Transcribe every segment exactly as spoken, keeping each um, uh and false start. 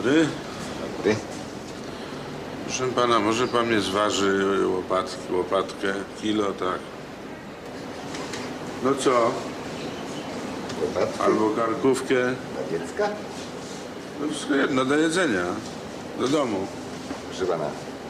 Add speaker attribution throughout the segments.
Speaker 1: Dobry.
Speaker 2: Dobry.
Speaker 1: Proszę pana, może pan mnie zważy łopatki, łopatkę, kilo, tak? No co?
Speaker 2: Łopatki
Speaker 1: Albo karkówkę.
Speaker 2: dla dziecka?
Speaker 1: No wszystko jedno, do jedzenia. Do domu.
Speaker 2: Proszę pana,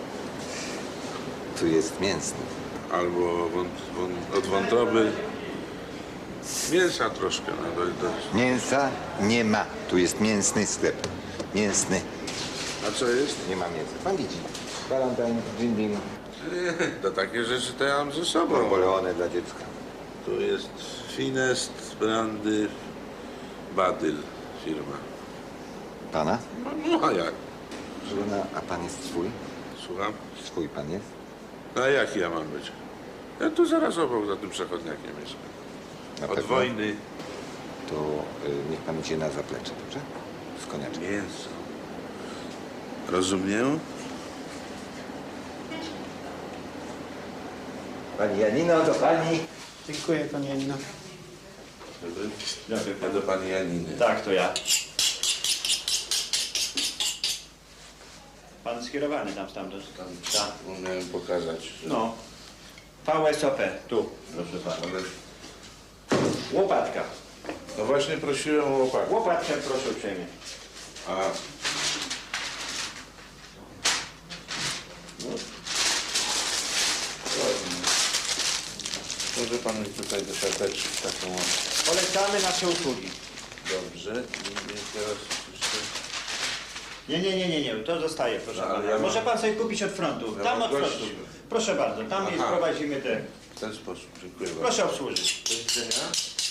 Speaker 2: tu jest mięsny.
Speaker 1: Albo wąt, wąt, od wątroby. Mięsa troszkę. No, do, do.
Speaker 2: Mięsa nie ma. Tu jest mięsny sklep. Mięsny.
Speaker 1: A co jest?
Speaker 2: Nie ma mięsa. Pan widzi. Valentine, Jim Beam,
Speaker 1: Nie, to takie rzeczy to ja mam ze sobą.
Speaker 2: Napoleone dla dziecka.
Speaker 1: Tu jest Finest, Brandy, Badyl firma.
Speaker 2: Pana?
Speaker 1: No, no a jak?
Speaker 2: Proszę pana, a pan jest swój?
Speaker 1: Słucham?
Speaker 2: Swój pan jest?
Speaker 1: No a jaki ja mam być? Ja tu zaraz obok za tym przechodniakiem mieszkam.
Speaker 2: Na
Speaker 1: Od
Speaker 2: pewno?
Speaker 1: wojny.
Speaker 2: To y, niech pan idzie na zaplecze, dobrze? Z koniaczem.
Speaker 1: Mięso. Rozumiem?
Speaker 2: Pani Janino, do pani.
Speaker 3: Dziękuję, pani Janino.
Speaker 1: Dobry.
Speaker 3: Dobry.
Speaker 1: Ja do pani Janiny.
Speaker 3: Tak, to ja. Pan skierowany tam stamtąd.
Speaker 1: Tam
Speaker 3: Tak.
Speaker 1: umiałem pokazać. Że...
Speaker 3: No. V S O P, tu, proszę pana.
Speaker 1: Ale...
Speaker 3: Łopatka.
Speaker 1: No właśnie prosiłem o łopatę.
Speaker 3: Łopatkę proszę uprzejmie.
Speaker 1: A... No. Ładnie. Może pan mi tutaj do siateczki taką...
Speaker 3: Polecamy nasze usługi.
Speaker 1: Dobrze. I i teraz jeszcze...
Speaker 3: Nie, nie, nie, nie, nie, to zostaje, proszę
Speaker 1: No, ale
Speaker 3: pana.
Speaker 1: ja mam-
Speaker 3: Może pan sobie kupić od frontu.
Speaker 1: Ja
Speaker 3: Tam
Speaker 1: mam
Speaker 3: od frontu.
Speaker 1: gości.
Speaker 3: Proszę bardzo, tam jest,
Speaker 1: Aha.
Speaker 3: prowadzimy te.
Speaker 1: W ten sposób. Dziękuję bardzo.
Speaker 3: Proszę obsłużyć.
Speaker 1: Do widzenia.